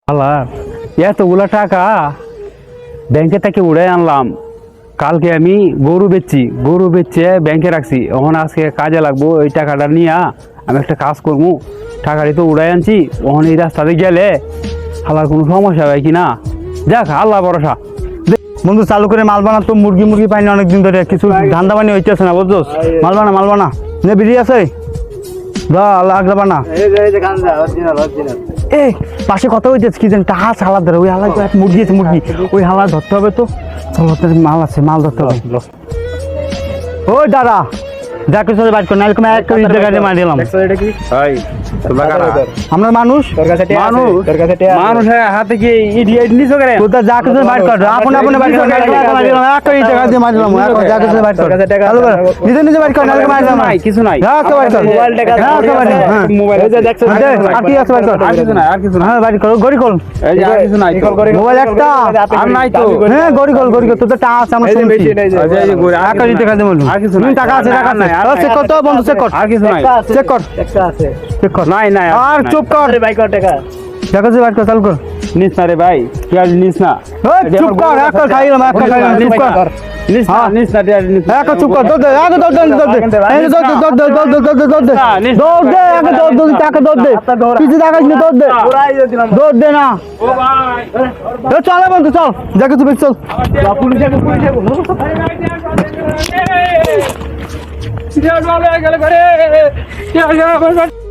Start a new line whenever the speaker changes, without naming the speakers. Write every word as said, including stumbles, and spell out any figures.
আল্লাহ, এতগুলা টাকা ব্যাংকে থেকে উড়ে আনলাম। কালকে আমি গরু বেচছি, গরু বেচে ব্যাংকে রাখছি। ওখানে আজকে কাজে লাগবো। এই টাকাটা নিয়ে আমি একটা কাজ করবো। টাকাটি তো উড়াই আনছি, ওখানে এই রাস্তাতে গেলে আল্লাহর কোনো সমস্যা হয় কি না। দেখ, আল্লাহ ভরসা।
বন্ধু চালু করে মাল বানা তো, মুরগি মুরগি পাইনি অনেকদিন ধরে, কিছু ধান্দা বানি হইতেছে না বুঝছোস। মাল বানা মাল বানা নে বিড়ি আছে দা লাগবে বানা। এই পাশে কথা হইতেছে কি জানি টাকা হালা ধরে, ওই হালা মুরগি আছে, মুরগি ওই হালা ধরতে হবে তো। চলো, মাল আছে, মাল ধরতে হবে। ওই দাদা যা কিছু বাইট কর, নাহলে এক কোটি টাকা দিয়ে মার দিলাম। আমরা মানুষ
মানুষ মানুষের হাতে কি ইডিয়েট নিছো করে?
তোর যা কিছু বাইট কর, আপন আপন বাইট কর, এক কোটি টাকা দিয়ে মার দিলাম। যা কিছু বাইট কর, চালু কর, নিজে নিজে বাইট কর, নাহলে মার দিলাম।
নাই, কিছু নাই।
যা তো বাইট কর,
মোবাইল টাকা,
যা তো বাইট কর, হ্যাঁ
মোবাইল এই যে দেখছো,
আর কি আছে বাইট কর,
আর কিছু নাই, আর কিছু নাই।
হ্যাঁ বাইট কর, গড়ি কর,
এই যে আর কিছু নাই তো।
মোবাইল একটা
আর নাই তো।
হ্যাঁ গড়ি কর, গড়ি কর, তোর তো টাকা আছে আমরা শুনছি।
এই যে এই যে গড়ি,
এক কোটি টাকা দিয়ে মারলাম।
আর কিছু নাই।
টাকা আছে, টাকা আছে,
আর নাই,
চেক কর তো বন্ধু, চেক কর,
আর কিছু নাই।
চেক কর, চেক কর।
নাই নাই
আর চুপ কর, টাকা দিয়ে বাইট কর, চালু কর।
নিস না রে ভাই, তুই আর নিস না।
ওই চুপ কর, এক কর খাইলাম, এক কর খাইলাম, চুপ কর।
নিস না, নিস না, তুই আর নিস না।
এক চুপ কর, দৌড় দে, আগে দৌড় দে, দৌড় দে, এই যে দৌড় দে, দৌড় দে, দৌড় দে, দৌড় দে, দৌড় দে, দৌড় দে, আগে দৌড় দে, টাকা দৌড় দে, কিছু দেখাস না, দৌড় দে, দৌড় দে না।
ও ভাই,
এ চল বন্ধু, চল, দেখে তুমি চল।
পুলিশে পুলিশে গেলে করে